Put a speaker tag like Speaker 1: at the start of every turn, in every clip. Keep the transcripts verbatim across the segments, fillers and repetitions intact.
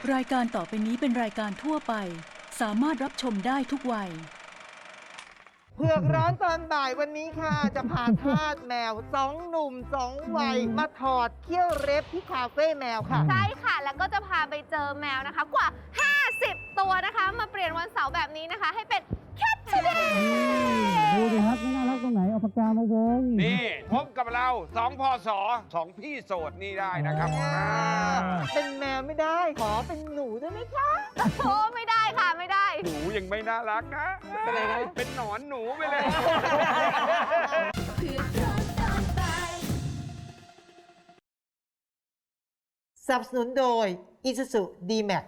Speaker 1: รายการต่อไปนี้เป็นรายการทั่วไปสามารถรับชมได้ทุกวัย
Speaker 2: เผือกร้อนตอนบ่ายวันนี้ค่ะ จะพาทาสแมวสองหนุ่มสองวัยมาถอดเขี้ยวเล็บที่คาเฟ่แมวค่ะ
Speaker 3: ใช่ค่ะแล้วก็จะพาไปเจอแมวนะคะกว่า ห้าสิบ ตัวนะคะมาเปลี่ยนวันเสาร์แบบนี้นะคะ ให้เป็นแคทเทเดย์
Speaker 4: ดูดิครับไม่น่ารักตรงไหนเอาปากกามาวง
Speaker 5: นี่พบกับเราสองพศสองพี่โสดนี่ได้นะครับ
Speaker 2: เป็นแมวไม่ได้ ขอเป็นหนูได้ไหมคะ
Speaker 3: โอ้ไม่ได้ค่ะไม่ได้
Speaker 5: หนูยังไม่น่ารักนะ
Speaker 2: เป็นไรนะ
Speaker 5: เป็นหนอนหนูไปเลย
Speaker 2: สนับสนุนโดย Isuzu D-Max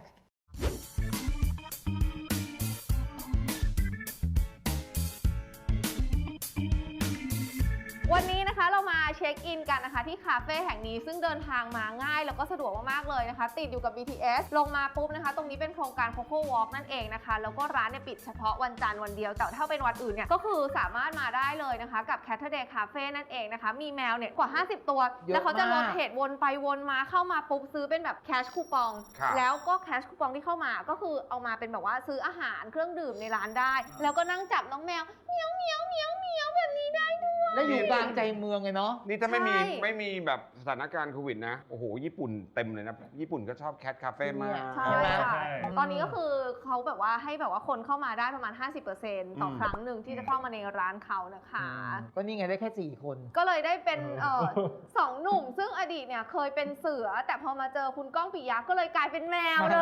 Speaker 3: วันนี้นะคะเรามาเช็คอินกันนะคะที่คาเฟ่แห่งนี้ซึ่งเดินทางมาง่ายแล้วก็สะดวกมากๆเลยนะคะติดอยู่กับ บี ที เอส ลงมาปุ๊บนะคะตรงนี้เป็นโครงการ Coco Walk นั่นเองนะคะแล้วก็ร้านเนี่ยปิดเฉพาะวันจันทร์วันเดียวแต่ถ้าเป็นวันอื่นเนี่ยก็คือสามารถมาได้เลยนะคะกับ Saturday Cafe นั่นเองนะคะมีแมวเนี่ยกว่า ห้าสิบ ตัว
Speaker 2: เยอะ
Speaker 3: แล้วเขาจะลด
Speaker 2: มาก
Speaker 3: เทรดวนไปวนมาเข้ามาปุ๊บซื้อเป็นแบบแคชคูปอง
Speaker 5: ครับ
Speaker 3: แล้วก็แคชคูปองที่เข้ามาก็คือเอามาเป็นแบบว่าซื้ออาหารเครื่องดื่มในร้านได้ แล้วก็นั่งจับน้องแมวเมียวเมียวเมียวเมียวแบบนี้ได้ด้วย
Speaker 2: แล้วอยู่กลางใจเมืองไงเนาะ
Speaker 5: นี่ถ้าไม่มี
Speaker 3: ใช่
Speaker 5: ไม่มีแบบสถานการณ์โควิดนะ โอ้โห ญี่ปุ่นเต็มเลยนะ ญี่ปุ่นก็ชอบแคทคาเฟ่มาก
Speaker 3: ใช่ค่ะตอนนี้ก็คือเขาแบบว่าให้แบบว่าคนเข้ามาได้ประมาณ ห้าสิบเปอร์เซ็นต์ ต่อ
Speaker 5: อืม
Speaker 3: ครั้งหนึ่งที่จะเข้ามาในร้านเขานะคะ
Speaker 2: ก็นี่ไงได้แค่สี่คน
Speaker 3: ก็เลยได้เป็นเออสองหนุ่ม ซึ่งอดีตเนี่ยเคยเป็นเสือ แต่พอมาเจอคุณก้องปิยะก็เลยกลายเป็นแมวเลย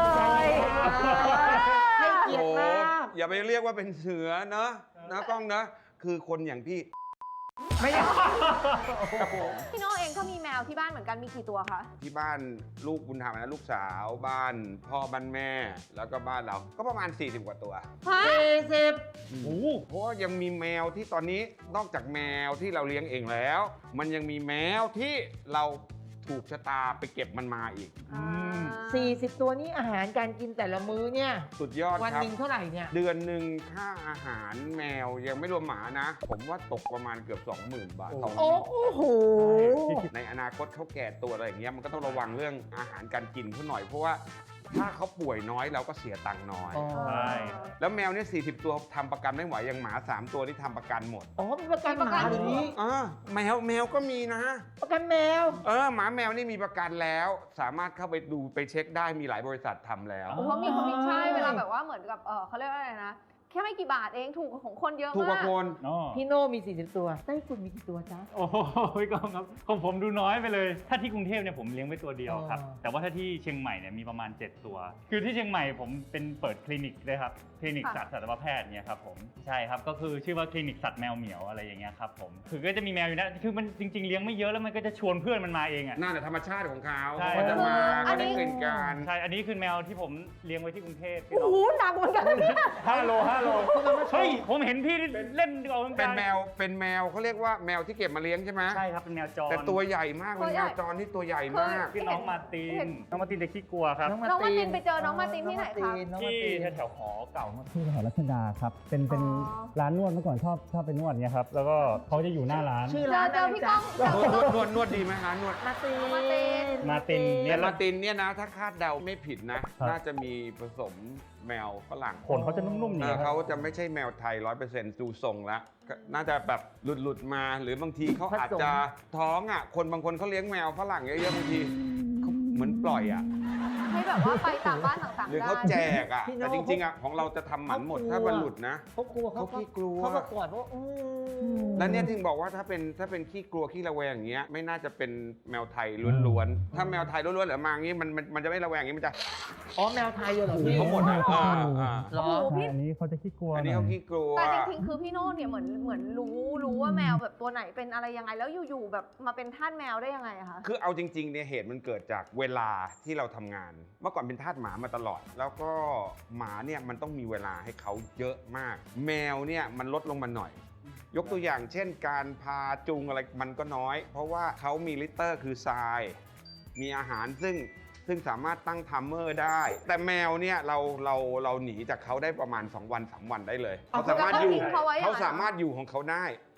Speaker 2: ให้เกียรติมาก
Speaker 5: โอ้โหอย่าไปเรียกว่าเป็นเสือเนอะนะกล้องนะ คือคนอย่างพี่
Speaker 2: ไม่ได้
Speaker 3: พี่โน่เองก็มีแมวที่บ้านเหมือนกันมีกี่ตัวคะ
Speaker 5: ที่บ้านลูกบุญธรรมนะลูกสาวบ้านพ่อบ้านแม่ แล้วก็บ้านเราก็ประมาณ สี่สิบ กว่าตัว
Speaker 3: ฮะ
Speaker 2: สี่สิบ
Speaker 5: โอ้โหเพราะว่ายังมีแมวที่ตอนนี้นอกจากแมวที่เราเลี้ยงเองแล้ว มันยังมีแมวที่เราถูกชะตาไปเก็บมันมาอีก
Speaker 2: สี่สิบตัวนี้อาหารการกินแต่ละมื้อเนี่ย
Speaker 5: สุดยอด
Speaker 2: วัน
Speaker 5: ครับ
Speaker 2: หนึ่งเท่าไหร่เนี่ย
Speaker 5: เดือนหนึ่งค่าอาหารแมวยังไม่รวมหมานะ ผมว่าตกประมาณเกือบ สองหมื่น บาทต่อ
Speaker 2: โอ้
Speaker 5: มื้อ
Speaker 2: โห
Speaker 5: ในอนาคตเขาแก่ตัวอะไรอย่างเงี้ยมันก็ต้องระวังเรื่องอาหารการกินเขาหน่อยเพราะว่าถ้าเขาป่วยน้อยเราก็เสียตังค์น้อย
Speaker 2: อ๋อ
Speaker 4: ใช่
Speaker 5: แล้วแมวเนี่ยสี่สิบ ตัวทำประกันไม่ไหวอย่างหมา สาม ตัวที่ทำประกันหมด
Speaker 2: อ๋อมีประกันหมาหรือนี้
Speaker 5: อ่าแมวแมวก็มีนะ
Speaker 2: ประกันแมว
Speaker 5: เออหมาแมวนี่มีประกันแล้ว สามารถเข้าไปดูไปเช็คได้มีหลายบริษัททำแล้ว
Speaker 3: โอ้เพราะมีคนมีใช่เวลาแบบว่าเหมือนกับเออเขาเรียกว่าอะไรนะ แค่ไม่กี่บาทเองถูกของคนเยอะ
Speaker 5: ถูกก
Speaker 3: มา
Speaker 5: ว่าก คน
Speaker 4: อ๋อ
Speaker 2: พี่โน่มีสี่สิบตัวไต้ฝุ่นมีกี่ตัวจ๊ะ
Speaker 4: โอ้โหพี่กองครับของผมดูน้อยไปเลย ถ้าที่กรุงเทพเนี่ยผมเลี้ยงไว้ตัวเดียวครับ
Speaker 2: อ๋อ
Speaker 4: แต่ว่าถ้าที่เชียงใหม่เนี่ยมีประมาณ เจ็ด ตัว คือที่เชียงใหม่ผมเป็นเปิดคลินิกด้วยครับ คลินิกสัตว์สัตวแพทย์เนี่ยครับผม ใช่ครับ ก็คือชื่อว่าคลินิกสัตว์แมวเหมียวอะไรอย่างเงี้ยครับผม คือก็จะมีแมวอยู่นะ คือมันจริงๆเลี้ยงไม่เยอะแล้วมันก็จะชวนเพื่อนมันมาเองอ่ะ
Speaker 5: น่าจะธรรมชาติของเขา
Speaker 4: ใช่
Speaker 5: เขาจะมา
Speaker 3: อั
Speaker 5: เขา
Speaker 3: นนี้
Speaker 5: ได้กลิ่นกัน
Speaker 4: ใช่ อันนี้คือแมวที่ผมเลี้ยงไว้ที่กรุงเทพพี่
Speaker 3: โอ้
Speaker 4: น้อง
Speaker 3: โหหนักเหมือนกันนะเนี่ย
Speaker 4: ห้าโลห้าโลเฮ้ยผมเห็นพี่เล่นเอาเหมือน
Speaker 5: เป็
Speaker 4: กัน น
Speaker 5: แมวเป็นแมวเขาเรียกว่าแมวที่เก็บมาเลี้ยงใช่ไหม
Speaker 4: ใช่ครับเป็นแมวจร
Speaker 5: แต่ตัวใหญ่มากเป็น
Speaker 3: ตัวใหญ่
Speaker 5: แมวจรที่ตัวใหญ่มาก
Speaker 4: พี่น้องมาร์ติ
Speaker 3: เห็
Speaker 4: น
Speaker 3: น
Speaker 4: น้องมาร์ตินจะขี้กลัวครับ
Speaker 3: น้องมาร์ตินไปเจอน้องมาร์ตินที่ไหนคะ
Speaker 2: น้องมา
Speaker 4: ที่
Speaker 2: ร์ติน
Speaker 4: แถวๆหอเก่าที่แถวรัชดาครับ เป็นเป็น
Speaker 3: อ๋อ
Speaker 4: ร้านนวดเมื่อก่อนชอบชอบไปนวดเนี่ยครับ แล้วก็เขาจะอยู่หน้าร้าน
Speaker 2: ชื่อ
Speaker 3: เจ
Speaker 2: ร้า
Speaker 3: อน เจอพี่ก้อง
Speaker 5: นวดนวดนวดดีไหมคะนวด
Speaker 2: มาร์ติน
Speaker 3: มาร์ติน
Speaker 4: มาร์ติน
Speaker 5: เนี่
Speaker 4: เนี่ย ย
Speaker 5: ลาตินเนี่ยนะ ถ้าคาดเดาไม่ผิดนะ
Speaker 4: ครับ
Speaker 5: น่าจะมีผสมแมวฝรั่ง
Speaker 4: ขนเขาจะนุ่มๆ
Speaker 5: เอ
Speaker 4: เนี่
Speaker 5: อย
Speaker 4: ค
Speaker 5: เขา
Speaker 4: รับ
Speaker 5: จะไม่ใช่แมวไทยร้อยเปอร์เซ็นต์ดูทรงแล้วก็น่าจะแบบหลุดหลุดๆมา หรือบางทีเขาอาจจะท้องอ่ะคนบางคนเขาเลี้ยงแมวฝรั่งเยอะๆบางทีเขาเหมือนปล่อยอ่ะ
Speaker 3: ให้แบบว่าไปต่างบ้านต่างๆ
Speaker 5: หรือ
Speaker 3: ได้
Speaker 5: เขาแจกอ่ะแต่จริงๆอ่ะของเราจะทำหมันหมดถ้ามันหลุดนะ
Speaker 2: เขากลัวเขา
Speaker 5: เขาขี้กลัว
Speaker 2: เขาประกวดว่าอืม
Speaker 5: แล้วเนี่ยถึงบอกว่าถ้าเป็นถ้าเป็นขี้กลัวขี้ระแวงอย่างเงี้ยไม่น่าจะเป็นแมวไทยล้วนๆถ้าแมวไทยล้วนๆหรือมาอย่างงี้มันมันมันจะไม่ระแวงอย่างงี้มันจะ
Speaker 2: อ๋อแมวไทยเหรอพี่
Speaker 5: เขาหมดอ่ะอ่าอ่า
Speaker 2: เหรอ
Speaker 3: โอ้โหพี่
Speaker 4: อันนี้เขาจะขี้กลัว
Speaker 5: อันนี้เขาขี้กลัว
Speaker 3: แต่จริงๆ คือพี่โน่เนี่ยเหมือนเหมือนรู้รู้ว่าแมวแบบตัวไหนเป็นอะไรยังไง แล้วอยู่ๆ แบบมาเป็นทาสแมวได้ยังไงอะคะ
Speaker 5: คือเอาจริงๆเนี่ยเหตุมันเกิดจากเวลาที่เราทำงาน เมื่อก่อนเป็นทาสหมามาตลอด แล้วก็หมาเนี่ยมันต้องมีเวลาให้เขาเยอะมาก แมวเนี่ยมันลดลงมาหน่อย ยกตัวอย่างเช่น การพาจูงอะไรมันก็น้อย เพราะว่าเขามีลิตเตอร์คือทราย มีอาหารซึ่งซึ่งสามารถตั้งไทัมเมอร์ได้ แต่แมวเนี่ยเราเราเราหนีจากเขาได้ประมาณสองวันสามวันได้เลยเขาสามารถอยู่
Speaker 3: แล้วก็ทิ้งเขาไว้อย่างนั้น
Speaker 5: เขาสามารถอยู่ของเขาได้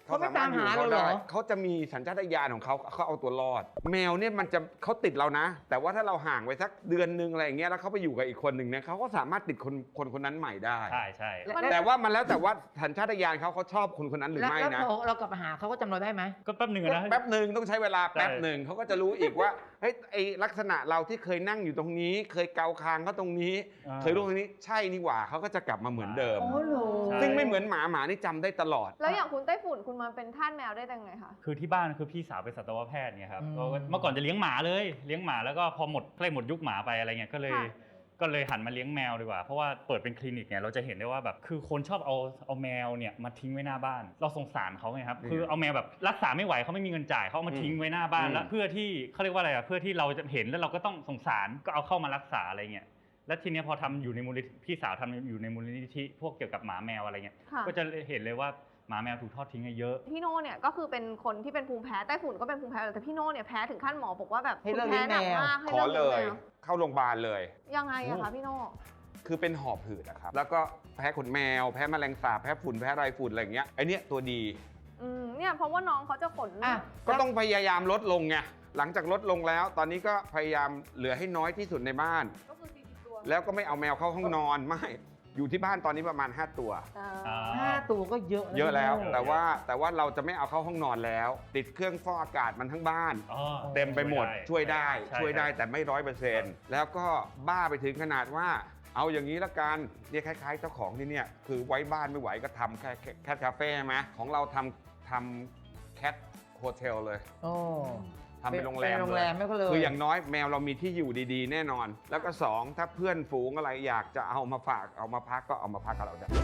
Speaker 2: เขาไม่ตามหาเราเหรอ
Speaker 5: เขาจะมีสัญชาตญาณของเขาเขาเอาตัวรอด แมวเนี่ยมันจะเขาติดเรานะ แต่ว่าถ้าเราห่างไปสักเดือนนึงอะไรอย่างเงี้ยแล้วเขาไปอยู่กับอีกคนหนึ่งเนี่ยเขาก็สามารถติดคนคนคนนั้นใหม่ได้
Speaker 4: ใช่ใช่
Speaker 5: แต่ว่ามันแล้วแต่ว่าสัญชาตญาณเขาเขาชอบคนคนนั้นหรือ
Speaker 2: แล้ว
Speaker 5: ไม่
Speaker 2: แล้ว
Speaker 5: นะ
Speaker 2: พอเรากลับมาหาเขาก็จำเราได้ไหม
Speaker 4: ก็แป๊บหนึ่งอะนะ
Speaker 5: แป๊บหนึ่งต้องใช้เวลาแป๊บ
Speaker 4: ใช่
Speaker 5: หนึ่งเขาก็จะรู้อีกว่าเฮ้ยไอลักษณะเราที่เคยนั่งอยู่ตรงนี้ เคยเกาคางเขาตรงนี้
Speaker 4: อ่า
Speaker 5: เคยรู้ตรงนี้ใช่นี่หว่าเขาก็จะกลับมาเหมือนเดิม
Speaker 2: อ๋อเหรอ
Speaker 4: ใช่
Speaker 5: ซึ่งไม่เหมือนหมาหมานี่จำได้ตลอด
Speaker 3: แล้วอย่างคุณไต้ฝุ่นคุณมาเป็นทาสแมวได้ยังไงคะ
Speaker 4: คือที่บ้านคือพี่สาวเป็นสัตวแพทย์เนี่ยครับ
Speaker 2: อืม
Speaker 4: ก็เมื่อก่อนจะเลี้ยงหมาเลยเลี้ยงหมาแล้วก็พอหมดใกล้หมดยุคหมาไปอะไรเงี้ยก็เลย
Speaker 3: ค่ะ
Speaker 4: ก็เลยหันมาเลี้ยงแมวดีกว่าเพราะว่าเปิดเป็นคลินิกเนี่ยเราจะเห็นได้ว่าแบบคือคนชอบเอาเอาแมวเนี่ยมาทิ้งไว้หน้าบ้าน เราสงสารเขาไงครับ
Speaker 5: อืม
Speaker 4: คือเอาแมวแบบรักษาไม่ไหวเขาไม่มีเงินจ่ายเขาเอามาทิ้งไว้หน้าบ้าน
Speaker 5: อืม
Speaker 4: แล้วเพื่อที่เขาเรียกว่าอะไรอ่ะเพื่อที่เราจะเห็นแล้วเราก็ต้องสงสารก็เอาเข้ามารักษาอะไรเงี้ยแล้วทีเนี้ยพอทำอยู่ในมูลนิธิพี่สาวทำอยู่ในมูลนิธิพวกเกี่ยวกับหมาแมวอะไรเงี้ย
Speaker 3: ค่ะ
Speaker 4: ก็จะเห็นเลยว่าหมาแมวถูกทอดทิ้งกันเยอะ
Speaker 3: พี่โน่เนี่ยก็คือเป็นคนที่เป็นภูมิแพ้ไต้ฝุ่นก็เป็นภูมิแพ้แต่พี่โน่เนี่ยแพ้ถึงขั้นหมอบอกว่าแบบ
Speaker 2: ให้เลิก
Speaker 3: ภูมิแพ้หนัก
Speaker 2: เลี้ยงแมว
Speaker 3: มากให้
Speaker 5: ขอ
Speaker 3: เลิก
Speaker 5: เล
Speaker 3: เลี้ยง
Speaker 5: ย
Speaker 3: แมว
Speaker 5: เข้าโรงพยาบาลเลย
Speaker 3: ยังไงอะคะพี่โน่
Speaker 5: คือเป็นหอบหืดอะครับแล้วก็แพ้ขนแมวแพ้แมลงสาบแพ้ฝุ่นแพ้ไรฝุ่นอะไรอย่างเงี้ยไอเนี้ยตัวดี
Speaker 3: อืมเนี่ยเพราะว่าน้องเขาจะขน
Speaker 2: อ่ะ
Speaker 5: ก็ต้องพยายามลดลงไงหลังจากลดลงแล้ว ตอนนี้ก็พยายามเหลือให้น้อยที่สุดในบ้าน
Speaker 3: ก็คือสี่สิบตัว
Speaker 5: แล้วก็ไม่เอาแมวเข้าห้องนอนไม่อยู่ที่บ้านตอนนี้ประมาณห้าตัว
Speaker 3: อ่า
Speaker 4: อ่า
Speaker 2: ห้าตัวก็เยอะ
Speaker 5: เยอะแล้ว
Speaker 2: พี่โน่
Speaker 5: แต่ว่าแต่ว่าเราจะไม่เอาเข้าห้องนอนแล้ว ติดเครื่องฟอกอากาศมันทั้งบ้าน
Speaker 4: อ๋อ
Speaker 5: เต็มไปหมดช่วยได้
Speaker 4: ใช่
Speaker 5: ช่วยได้
Speaker 4: ใช่
Speaker 5: แต่ไม่ร้อยเปอร์เซ็นต์แล้วก็บ้าไปถึงขนาดว่า เอาอย่างนี้ละกันเนี่ยคล้ายๆเจ้าของที่เนี่ยคือไว้บ้านไม่ไหวก็ทำแค่แคทคาเฟ่ใช่ไหมของเราทำทำแคทโฮเทลเลย
Speaker 2: โอ้
Speaker 5: ทำเป็นโรงแรม
Speaker 2: เป็นโรงแรม
Speaker 5: เลย
Speaker 2: ไม่ก็เลย
Speaker 5: คืออย่างน้อยแมวเรามีที่อยู่ดีๆ แน่นอน แล้วก็สองถ้าเพื่อนฝูงอะไรอยากจะเอามาฝากเอามาพักก็เอามาพักกับเราได้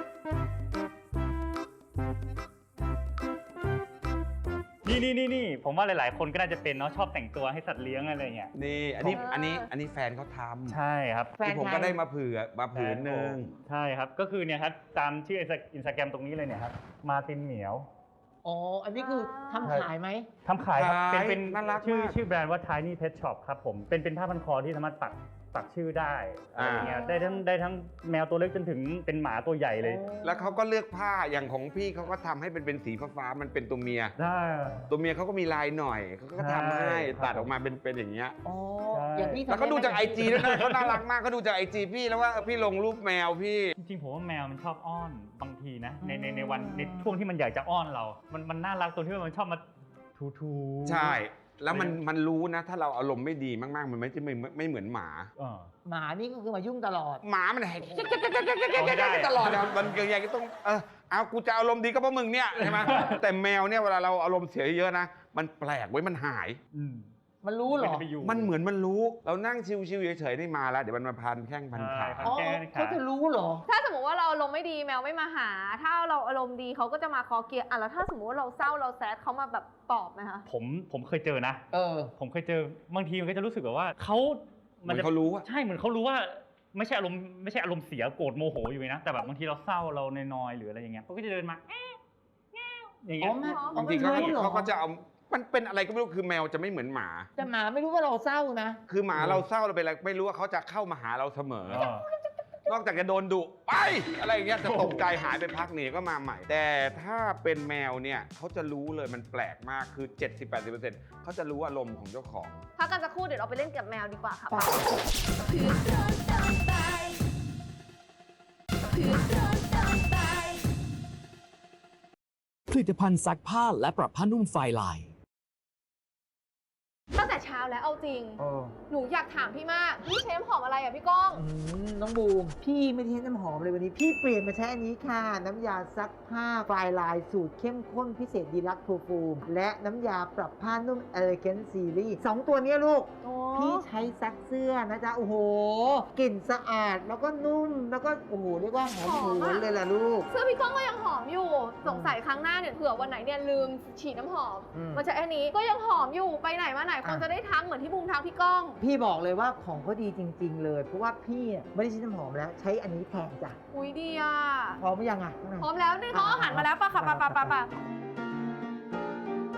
Speaker 4: นี่นี่นี่นี่ผมว่าหลาย ๆ คนก็น่าจะเป็นเนาะชอบแต่งตัวให้สัตว์เลี้ยงอะไรเงี้ย
Speaker 5: นี่อันนี้อันนี้อันนี้แฟนเขาทำ
Speaker 4: ใช่ครับ
Speaker 2: แฟน
Speaker 5: ที่ผม
Speaker 2: ใคร
Speaker 5: ก็ได้มาเผื่อมาผืนหนึ่ง
Speaker 4: ใช่ครับก็คือเนี่ยครับตามชื่ออินสตาแกรมตรงนี้เลยเนี่ยครับมาตินเหมียว
Speaker 2: อ๋ออันนี้คือทำขายไหม
Speaker 4: ทำขายครับเป็นเป็น
Speaker 5: น่ารัก
Speaker 4: ชื่อ
Speaker 5: มาก
Speaker 4: ชื่อแบรนด์ว่า Tiny Pet Shop ครับผมเป็นเป็นผ้าพันคอที่สามารถปักปักชื่อได้อะไรเงี้ย
Speaker 2: อ่า
Speaker 4: ได้ทั้งได้ทั้งแมวตัวเล็กจนถึงเป็นหมาตัวใหญ่เลย
Speaker 5: แล้วเขาก็เลือกผ้าอย่างของพี่เขาก็ทำให้เป็นเป็นสีฟ้าๆมันเป็นตัวเมีย
Speaker 4: ได้
Speaker 5: ตัวเมียเขาก็มีลายหน่อยเขาก็ทำให้
Speaker 4: ใช่ครับ
Speaker 5: ตัดออกมาเป็นเป็นอย่างเงี้ย
Speaker 2: อ๋อ
Speaker 4: ใช่
Speaker 2: อย่างพี่ทำ
Speaker 5: แล้วก็ดูจากไอ
Speaker 2: ได้หม
Speaker 5: จีด้วยนะเขาน่ารักมากเขาดูจากไอจีพี่แล้วว่าเออพี่ลงรูปแมวพี่
Speaker 4: จริงๆผมว่าแมวมันชอบอ้อนบางทีนะในในในวันในช่วงที่มันอยากจะอ้อนเรา มันมันน่ารักตรงที่ว่ามันชอบมาทูทูๆ
Speaker 5: ใช่ แล้วมันมันรู้นะ ถ้าเราอารมณ์ไม่ดีมากๆ มันไม่จะไม่ไม่เหมือนหมา
Speaker 4: เออ
Speaker 2: หมานี่ก็คือมายุ่งตลอด
Speaker 5: หมามันแหก
Speaker 4: เอาไม่ได้
Speaker 5: ตลอดอะมันยังไงก็ต้องเออเอากูจะอารมณ์ดีก็เพราะมึงเนี่ยใช่ไหมแต่แมวเนี่ยเวลาเราอารมณ์เสียเยอะนะมันแปลกไว้ยมันหาย
Speaker 4: อืม
Speaker 2: มันรู้เหรอ
Speaker 4: มันจะไปอยู่
Speaker 5: มันเหมือนมันรู้ เรานั่งชิวๆเฉยๆนี่มาแล้วเดี๋ยวมันมาพันแข้งพันขา
Speaker 4: ใช่
Speaker 2: อ๋อ
Speaker 4: แก้
Speaker 2: เขาจะรู้เหรอ
Speaker 3: ถ้าสมมติว่าเราอารมณ์ไม่ดีแมวไม่มาหา ถ้าเราอารมณ์ดีเขาก็จะมาคอเกียร์อ่ะแล้วถ้าสมมติว่าเราเศร้าเราแซดเขามาแบบปลอบไหมคะ
Speaker 4: ผมผมเคยเจอนะ
Speaker 2: เออ
Speaker 4: ผมเคยเจอบางทีมันก็จะรู้สึกแบบว่าเขา
Speaker 5: เหมือนเขารู้อะ
Speaker 4: ใช่เหมือนเขารู้ว่าไม่ใช่อารมณ์ไม่ใช่อารมณ์เสียโกรธโมโหอยู่นะแต่แบบบางทีเราเศร้าเรานอยๆหรืออะไรอย่างเงี้ยเขาก็จะเดินมาแอ๊ะแง่วอย่าง
Speaker 2: อ๋
Speaker 4: เงี้
Speaker 2: อย ไม่
Speaker 5: บางทีเขาก็
Speaker 2: รู้หรอ
Speaker 5: เขาก็จะเอามันเป็นอะไรก็ไม่รู้คือแมวจะไม่เหมือนหมา
Speaker 2: แต่หมาไม่รู้ว่าเราเศร้านะ
Speaker 5: คือหมาเราเศร้าเราเป็นอะไรไม่รู้ว่าเขาจะเข้ามาหาเราเสมอ
Speaker 4: เออ
Speaker 5: นอกจากจะโดนดุไปอะไรอย่างเงี้ยจะตกใจหายไปพักหนีก็มาใหม่ แต่ถ้าเป็นแมวเนี่ยเขาจะรู้เลยมันแปลกมากคือ เจ็ดสิบถึงแปดสิบเปอร์เซ็นต์ เขาจะรู้อารมณ์ของเจ้าของ
Speaker 3: พักกันสักครู่เดี๋ยวเราไปเล่นกับแมวดีกว่าค่ะ
Speaker 2: ป่ะ
Speaker 6: ผลิตภัณฑ์ซักผ้าและปรับผ้านุ่มไฟลาย
Speaker 3: ตั้งแต่เช้าแล้วเอาจริง
Speaker 2: เออ
Speaker 3: หนูอยากถามพี่มากนี่ใช้น้ำหอมอะไรอ่ะพี่ก้อง
Speaker 2: อืมน้องบูม พี่ไม่ได้ใช้น้ำหอมเลยวันนี้ พี่เปลี่ยนมาใช้อันนี้ค่ะ น้ำยาซักผ้าไฟลายสูตรเข้มข้นพิเศษดีลักซ์โทฟูม และน้ำยาปรับผ้านุ่มเอเลเกนซีรีส์สองตัวเนี้ยลูก
Speaker 3: โอ้
Speaker 2: พี่ใช้ซักเสื้อนะจ๊ะ โอ้โห กลิ่นสะอาดแล้วก็นุ่ม แล้วก็ โอ้โห เรียกว่าหอมหวนเลยล่ะลูก
Speaker 3: เสื้อพี่ก้องก็ยังหอมอยู่ สงสัยครั้งหน้าเนี่ยเผื่อวันไหนเนี่ยลืมฉีดน้ำหอม
Speaker 2: อืม
Speaker 3: มาใช้อันนี้ก็ยังหอมอยู่ไปไหนมาไหนคน
Speaker 2: อ่ะ
Speaker 3: จะได้ทักเหมือนที่บูมทักพี่ก้อง
Speaker 2: พี่บอกเลยว่าของเขาดีจริง ๆ เลย เพราะว่าพี่อ่ะไม่ได้ใช้น้ำหอมแล้ว ใช้อันนี้แทนจ้ะ
Speaker 3: อุ้ยดีอ่ะ
Speaker 2: พร้อมหรือยังอ่ะ
Speaker 3: พร้อมแล้วนี่เขาอาหารมาแล้วปะค่ะปะปะปะปะ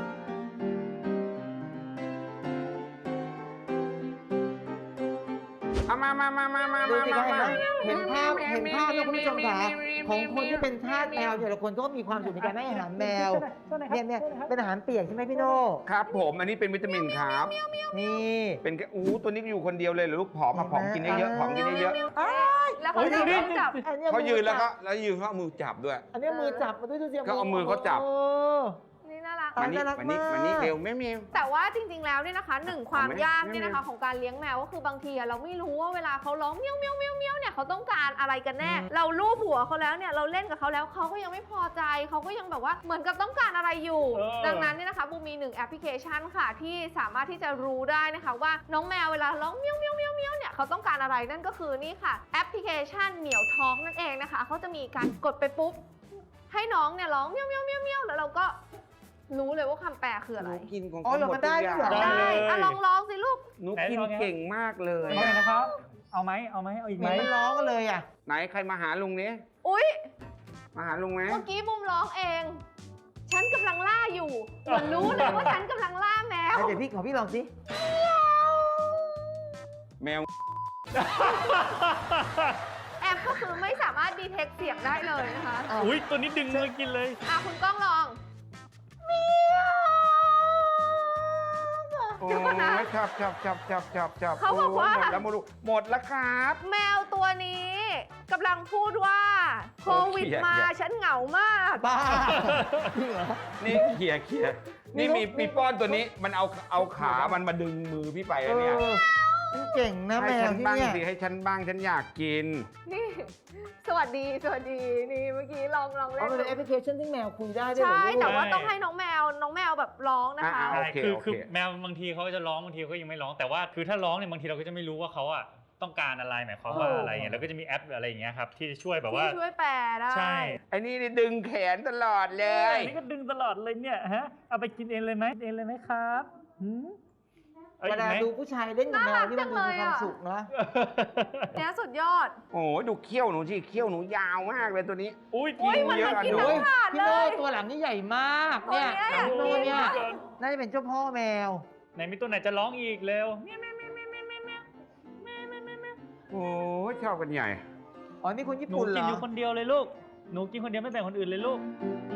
Speaker 6: ผ
Speaker 5: เอามามามามามา
Speaker 2: ดู
Speaker 5: มา
Speaker 2: สิ
Speaker 5: มา
Speaker 2: คะ
Speaker 5: มา
Speaker 2: เห็นภาพเห็นภาพนะคุณผู้ชมคะของคนที่เป็นทาสแมวแต่ละคนก็มีความสุขในการให้อาหารแมวเนี่ยเนี่ยเป็นอาหารเปียกใช่ไหมพี่โน่
Speaker 5: ครับผมอันนี้เป็นวิตามินครับ
Speaker 2: นี่
Speaker 5: เป็นแค่อู้ตัวนี้อยู่คนเดียวเลยเหรอลูกผอมมาผอมกินเยอะๆผอมกินเยอะ
Speaker 3: แล้วเขาจะต้องจับ
Speaker 2: อันนี้
Speaker 5: ๆเขายืนแล้วก็แล้วยืนเขาเอามือจับด้วย
Speaker 2: อันนี้มือจับมาด้วยดูสิ
Speaker 5: เขาเอามือเขาจับ
Speaker 2: โอ้
Speaker 3: นี่น่ารัก
Speaker 2: อ่ะ
Speaker 5: มานี่
Speaker 2: น่ารัก
Speaker 5: มานี่
Speaker 2: มาก
Speaker 5: มานี่เร็วแม่เมียว
Speaker 3: แต่ว่าจริงๆ แล้วเนี่ยนะคะหนึ่งความ
Speaker 5: เอาไหม
Speaker 3: ยากเนี่ยนะคะ
Speaker 5: ไม่
Speaker 3: ของการเลี้ยงแมวก็คือบางทีอะเราไม่รู้ว่าเวลาเขาร้องเมี้ยวเมี้ยวเมี้ยวเมี้ยวเนี่ยเขาต้องการอะไรกันแน่ เราลูบหัวเขาแล้วเนี่ยเราเล่นกับเขาแล้วเขาก็ยังไม่พอใจเขาก็ยังแบบว่าเหมือนกับต้องการอะไรอยู่
Speaker 4: เออ
Speaker 3: ดังนั้นเนี่ยนะคะบูมมีหนึ่งแอปพลิเคชันค่ะที่สามารถที่จะรู้ได้นะคะว่าน้องแมวเวลาร้องเมี้ยวเมี้ยวเมี้ยวเมี้ยวเนี่ยเขาต้องการอะไรนั่นก็คือนี่ค่ะแอปพลิเคชันเหมียวท้องนั่นเองนะคะเขาจะมีการกดไปปุ๊บให้น้องเนี่ยร้องเมี้ยวเมี้ยวเมี้ยวเมี้ยวแล้วเราก็รู้เลยว่าคำแปลคืออะไร
Speaker 5: หนูกินของ
Speaker 2: อ๋อ
Speaker 5: เขา
Speaker 2: เหรอ
Speaker 5: หมด
Speaker 2: มัน
Speaker 5: ทุ
Speaker 2: ได้
Speaker 5: กอ
Speaker 2: ด้
Speaker 5: ย่าว ง
Speaker 2: ยเหรอ
Speaker 3: ได้อะลองร้องสิลูก
Speaker 5: หนูกินเก่งมากเลย
Speaker 4: เอาไงนะครับ เอาไหมเอาไหมเอาอีก
Speaker 2: เห
Speaker 4: ไห
Speaker 2: มื
Speaker 4: ม
Speaker 2: อนมันร้องกันเลยอ่ะ
Speaker 5: ไหนใครมาหาลุงนี้
Speaker 3: อุ๊ย
Speaker 5: มาหาลุงไหม
Speaker 3: เมื่อกี้บุมร้องเอง ฉันกำลังล่าอยู่เหมือนรู้เลยว่าฉันกำลังล่าแมว
Speaker 2: เดี๋ยวพี่ขอพี่ลองสิ
Speaker 5: แมว
Speaker 3: แอปก็คือไม่สามารถดีเทคเสียงได้เลยนะคะ
Speaker 4: อุ้ยตัวนี้ดึงมือกินเลย
Speaker 3: อ่ะคุณก้องลอง
Speaker 5: โอ้
Speaker 3: เดี๋ยวก่อนนะ
Speaker 5: ยจับจับจับจับจับจับ
Speaker 3: เขาบอกว่า
Speaker 5: โยหมดแล้วหมดแล้วหมดแล้วครับ
Speaker 3: แมวตัวนี้กำลังพูดว่าโควิดมาฉันเหงามาก
Speaker 2: บ้าจริงเหรอ
Speaker 5: นี่เขี่ยเขี่ย
Speaker 2: นี่
Speaker 5: นี่มี
Speaker 2: ลูก
Speaker 5: ปีป้อนตัวนี้มันเอาเอาขามันมาดึงมือพี่ไป
Speaker 2: เอ
Speaker 5: อะเนี่ย
Speaker 2: อมันเก่งนะแม
Speaker 5: ให้
Speaker 2: ว
Speaker 5: ฉัน
Speaker 2: ที่
Speaker 5: บ้าง
Speaker 2: เนี่ย
Speaker 5: สิให้ฉันบ้างฉันอยากกิน
Speaker 3: นี่ สวัสดีสวัสดีนี่เมื่อกี้ลองลอง
Speaker 2: อ๋อ
Speaker 3: เล่น
Speaker 2: มันเป็นแอปพลิเคชันที่แมวคุยได้ด้วยเหรอ
Speaker 3: ใช่
Speaker 2: ลูก
Speaker 3: แต่ว่าต้องให้น้องแมวน้องแมวแบบร้องนะคะ
Speaker 5: อ่า
Speaker 4: ใช่
Speaker 5: โอเค
Speaker 4: คือ
Speaker 5: โอเค
Speaker 4: คือแมวบางทีเขาก็จะร้องบางทีเขาก็ยังไม่ร้องแต่ว่าคือถ้าร้องเนี่ยบางทีเราก็จะไม่รู้ว่าเขาอะต้องการอะไรหมายความว่าอะไรเงี้ยแล้วก็จะมีแอปอะไรอย่างเงี้ยครับที่จะช่วยแบบว่า
Speaker 3: ที่ช่วยแปลได้
Speaker 4: ใช่
Speaker 5: ไอ้นี่นี่ดึงแขนตลอดเลย
Speaker 4: นี่ก็ดึงตลอดเลยเนี่ยฮะเอาไปกินเองเลยไหมเองเลยไหมครับหืมเอา
Speaker 2: เว
Speaker 4: อีก
Speaker 2: ลา
Speaker 4: ไหม
Speaker 2: ดูผู้ชายเล่นกับแมวนี่มันดูมีความสุขนะ
Speaker 3: เนี่ยสุดยอด
Speaker 5: โอ้ยดูเขี้ยวหนูสิเขี้ยวหนูยาวมากเลยตัวนี้
Speaker 4: อุ้ย
Speaker 3: อุ๊ย
Speaker 4: กิน
Speaker 3: มัน
Speaker 4: เยอะ
Speaker 3: มา
Speaker 4: อะ
Speaker 3: กิน
Speaker 4: หนู
Speaker 3: ทั้งถาด
Speaker 2: พี่
Speaker 3: เล
Speaker 2: โน่
Speaker 3: ย
Speaker 2: ตัวหลังนี่ใหญ่มากเนี่ย
Speaker 3: ตัวเนี้ย
Speaker 2: พี่โน่เนี่ย
Speaker 3: อยากกิน
Speaker 2: น่าจะเป็นเจ้าพ่อแมว
Speaker 4: ไหนมีตัวไหนจะร้องอีกเร็ว
Speaker 5: โอ้ยชอบกันใหญ่
Speaker 2: อ๋อนี่คนญี่
Speaker 4: หนู
Speaker 2: ปุ่นเหร
Speaker 4: กิน
Speaker 2: อ
Speaker 4: อยู่คนเดียวเลยลูกหนูกินคนเดียวไม่แบ่งคนอื่นเลยลูก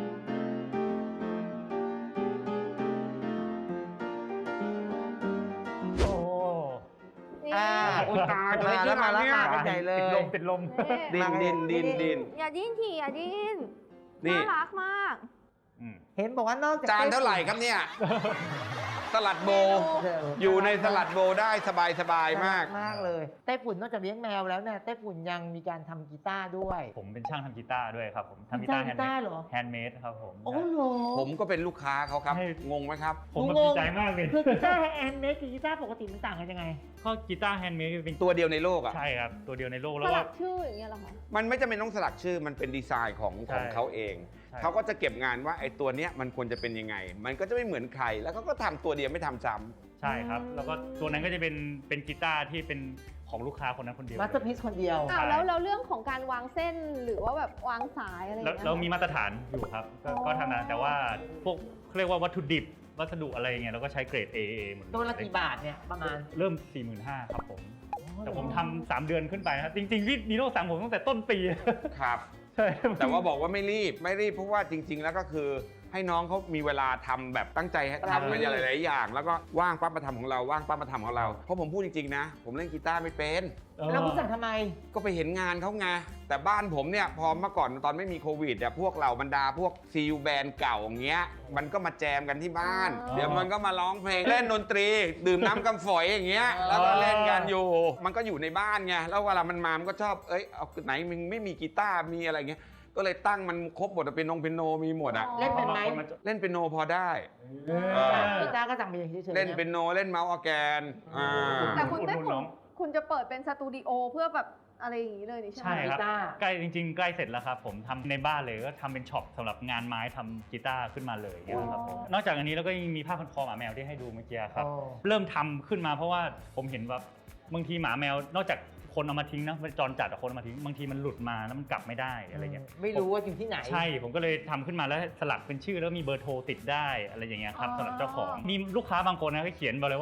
Speaker 4: โอ้
Speaker 3: นี่
Speaker 2: อ่า
Speaker 5: โอ้ยตาย
Speaker 2: มาแล้วมาแล้ว
Speaker 5: เนี่ย
Speaker 2: มากันใหญ่เลย
Speaker 4: ติดลมติดลม
Speaker 5: ดินดินดินดิน
Speaker 3: อย่าดิ้นทีอย่าดิ้น
Speaker 5: นี่
Speaker 3: น่ารักมาก
Speaker 4: อืม
Speaker 2: เห็นบอกว่านอกจาก
Speaker 5: จานเท่าไหร่ครับเนี่ย สลัดโบ
Speaker 2: เออ
Speaker 5: อยู่ในสลัดโบได้สบายสบายมาก
Speaker 2: มากเลยไต้ฝุ่นนอกจากเลี้ยงแมวแล้วเนี่ยไต้ฝุ่นยังมีการทำกีตาร์ด้วย
Speaker 4: ผมเป็นช่างทำกีตาร์ด้วยครับผมทำกี
Speaker 2: จ้า
Speaker 4: ตาง ร์
Speaker 2: กีตาร์เหรอ
Speaker 4: แฮนด์เมดครับผม
Speaker 2: โอ้โห
Speaker 5: ผมก็เป็นลูกค้าเขาครับ
Speaker 4: ให้
Speaker 5: งงไหมครับ
Speaker 4: ผมแบบ
Speaker 2: งง
Speaker 4: ดีใจมากเลย
Speaker 2: คือกีตาร์แฮนด์เมดกับกีตาร์ปกติมันต่างกันยังไง
Speaker 4: ก็กีตาร์แฮนด์เมดเป็น
Speaker 5: ตัวเดียวในโลกอ่ะ
Speaker 4: ใช่ครับตัวเดียวในโลก
Speaker 3: ส
Speaker 4: แล้ว
Speaker 3: ลั
Speaker 4: ว่า
Speaker 3: กชื่ออย่างเงี้ยเหรอคะ
Speaker 5: มันไม่จำเป็นต้องสลักชื่อ มันเป็นดีไซน์ของ
Speaker 4: ใช่
Speaker 5: ของเขาเอง
Speaker 4: ใช่
Speaker 5: เขาก็จะเก็บงานว่าไอ้ตัวเนี้ยมันควรจะเป็นยังไง มันก็จะไม่เหมือนใคร แล้วเขาก็ทำตัวเดียวไม่ทำซ้ำ
Speaker 4: ใช่ครับ แล้วก็ตัวนั้นก็จะเป็นเป็นกีตาร์ที่เป็นของลูกค้าคนนั้นคนเดียว
Speaker 2: มาสเตอร์พีซคนเดียว
Speaker 3: อ้าวแล้วแล้วเรื่องของการวางเส้นหรือว่าแบบวางสายอะไรอย่าง
Speaker 4: แล้ว
Speaker 3: เงี้ย
Speaker 4: เรามีมาตรฐานอยู่ครับ ก็ก็ทำนะแต่ว่าพวกเขาเรียกว่าวัตถุดิบ วัสดุอะไรเงี้ยเราก็ใช้เกรด เอ เอ หมดเลย
Speaker 2: ตัวละกี่บาทเนี่ยประมาณ
Speaker 4: เริ่ม สี่หมื่นห้าพัน ครับผม แต่ผมทำสามเดือนขึ้นไปนะครับ จริงๆพี่นีโน่สั่งผมตั้งแต่ต้นปี
Speaker 5: ครับ
Speaker 4: ใช่
Speaker 5: แต่ว่าบอกว่าไม่รีบ ไม่รีบเพราะว่าจริง ๆ แล้วก็คือให้น้องเขามีเวลาทำแบบตั้งใจทำมันหลายๆอย่าง แล้วก็ว่างปั๊บมาทำของเรา ว่างปั๊บมาทำของเรา เพราะผมพูดจริงๆนะ ผมเล่นกีตาร์ไม่เป็น
Speaker 2: แล้วคุณสั่งทำไม
Speaker 5: ก็ไปเห็นงานเขาไง แต่บ้านผมเนี่ยพอเมื่อก่อนตอนไม่มีโควิดเนี่ยพวกเหล่าบรรดาพวกซีลแบนด์เก่าอย่างเงี้ย มันก็มาแจมกันที่บ้าน
Speaker 3: อ๋อ
Speaker 5: เดี๋ยวมันก็มาร้องเพลง เล่นดนตรี ดื่มน้ำกำฝอยอย่างเงี้ย แล้วก็เล่นกันอยู่ มันก็อยู่ในบ้านไง แล้วเวลามันมามันก็ชอบ เอ้ย เอาไหนมึงไม่มีกีตาร์ มีอะไรเงี้ย ก็เลยตั้งมันครบหมดอะเป็นนงเป็นโนมีหมดอะ
Speaker 2: เล่นเป็นไหม
Speaker 5: เล่นเป็นโนพอได้
Speaker 4: เออ
Speaker 2: กีตาร์ก็สั่งไปอย่างเฉยๆ
Speaker 5: เล่นเป็นโนเล่นเมาส์ออร์แกนอ่า
Speaker 3: แต่คุณ
Speaker 4: อุด
Speaker 3: ได้
Speaker 4: หนุน
Speaker 3: คุ
Speaker 4: น้
Speaker 3: ณ
Speaker 4: อง
Speaker 3: คุณจะเปิดเป็นสตูดิโอเพื่อแบบอะไรอย่างนี้เลยนี่ใช่ไหม
Speaker 4: ใช่ครับ
Speaker 2: กีตาร์
Speaker 4: ใกล้จริงๆ ใกล้เสร็จแล้วครับผมทำในบ้านเลยก็ทำเป็นช็อปสำหรับงานไม้ทำกีตาร์ขึ้นมาเลยเนี่ยครับผมนอกจากอันนี้แล้วก็ยังมีผ้าพันคอหมาแมวที่ให้ดูเมื่อกี้ครับ
Speaker 2: โอ้
Speaker 4: เริ่มทำขึ้นมาเพราะว่าผมเห็นว่าบางทีหมาแมวนอกจากคนเอามาทิ้งนะจรจัดอะคนเอามาทิ้งบางทีมันหลุดมาแล้วมันกลับไม่ได้อะไรเงี้ย
Speaker 2: ไม่รู้ว่าอยู่ที่ไหน
Speaker 4: ใช่ผมก็เลยทำขึ้นมาแล้วสลักเป็นชื่อแล้วมีเบอร์โทรติดได้อะไรอย่างเงี้ยครับ
Speaker 3: อ๋อ
Speaker 4: สำหรับเจ้าของมีลูกค้าบางคนนะเขาเขียนบอกเลยว่า